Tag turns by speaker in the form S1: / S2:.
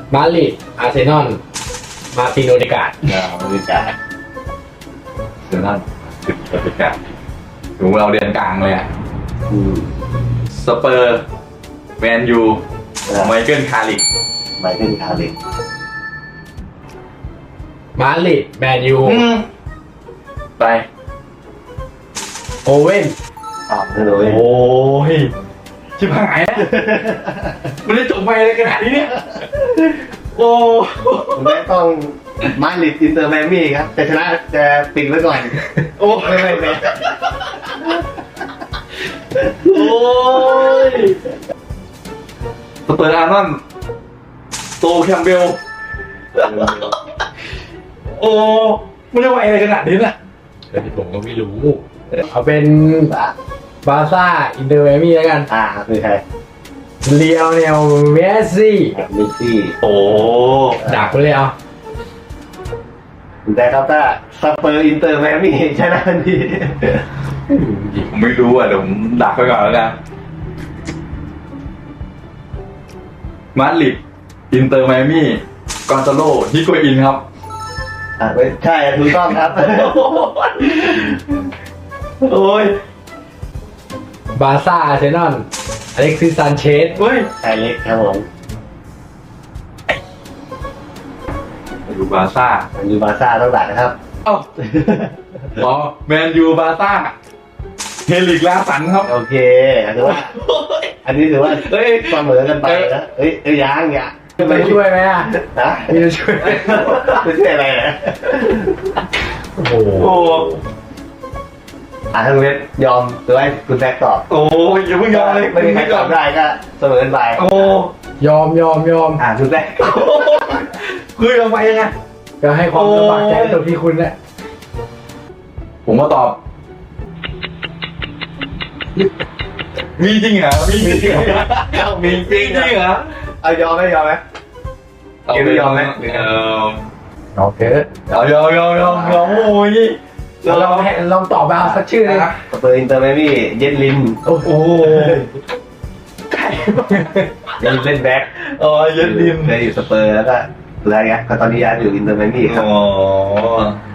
S1: มาดริดอาร์เซนอลมาร์ตินโอเดการ์ด
S2: บริการเดี๋ยวนั่นติดบริการถึงเราเรียนกลางเลยอ่ะสเปอร์แมนยูไมเคิลคาริก
S3: ไมเคิลคาริก
S1: มาดริดแมนยู
S2: ไป
S1: โอเว่น
S3: นั่นเลย
S2: โอ้ยชิบหายแล้วมันได้จบไปเลยขนาดนี้เนี่ยโอ้
S3: ผมไม่ต้องมาดริดอินเตอร์แมมี่ครับแต่ชนะจะปิดไว้ก่อน
S2: โอ้
S3: ไม่
S2: โอ้ยสเปอร์อาร์นอนโตแคมเบลโอ้มันจะไหวอะไรขนาดนี้น่ะ
S1: เดี๋ยวผมก็ไม่รู้ เอาเป็นบาร์ซ่าอินเตอร์แมมี่แล้วกัน
S3: คือใคร
S1: เลียวเนลเมสซี่
S3: เมสซี่
S2: โอ้
S1: ดักไปเลยเอา
S3: แต่ครับถ้าสเปอร์อินเตอร์แมมี่ชนะทันที
S2: ผมไม่รู้อ่ะเดี๋ยวผมดักไปก่อนแล้วกันมาดริดอินเตอร์ไมอามี่กอนซาโลฮิโกอินครับ
S3: ไม่ใช่ถูกต้องครับ
S2: โอ้ย
S1: บาร์ซ่าอาร์เซนอลอเล็กซิสซานเชส
S2: เฮ้ย
S3: ไอเล็กครับผม
S2: ดูบาร์ซ่า
S3: มันอยู่บาร์ซ่าต้องดักนะครับ
S2: เอ้าอ๋อแมนยูบาร์ซ่าเฮลิกลาสันครับ
S3: โอเคถือว่า อันนี้ถือว่าเฮ้ยเสมอกันไปนะเฮ้ยยังอย่า
S1: ไปช่วยไหมอ่ะ
S3: ฮะ
S1: มีจะช่วยไหม
S3: ไม่ใช่อะไรนะ
S1: โอ้โห
S2: โอ้
S3: ทั้งเว็บยอมหรือว่าคุณแซกตอบ
S2: โอ้ยอย่าเพิ่งยอมเลย
S3: ไม่มีใครตอบได้ก็เสมอกันไป
S2: โอ้
S1: ยอม
S3: คุณแซก
S2: คือยังไงยังไง
S1: ก็ให้ความลำบากใจตรงที่คุณแหละ
S2: ผมมาตอบ มีจริงเหรอมีจริงเหรอ
S3: มีจริง
S2: เหรอ
S3: เอายอมไหมยอมไหม
S2: เอา
S3: ไม่ยอมไหม
S1: โอเค
S2: เอายอมโอ้ย
S1: ลองตอบมาสักชื่อเลยนะ
S3: สเปอร์อินเตอร์แมมี่เย็นลิน
S1: โอ้โห
S3: เย็นเล่นแบ็ค
S2: อ๋อเย็นดิน
S3: เคยอยู่สเปอร์แล้วก็อะไรเงี้ยก็ตอนนี้ย้ายอยู่อินเตอร์แมมี่ครับ
S2: อ๋อ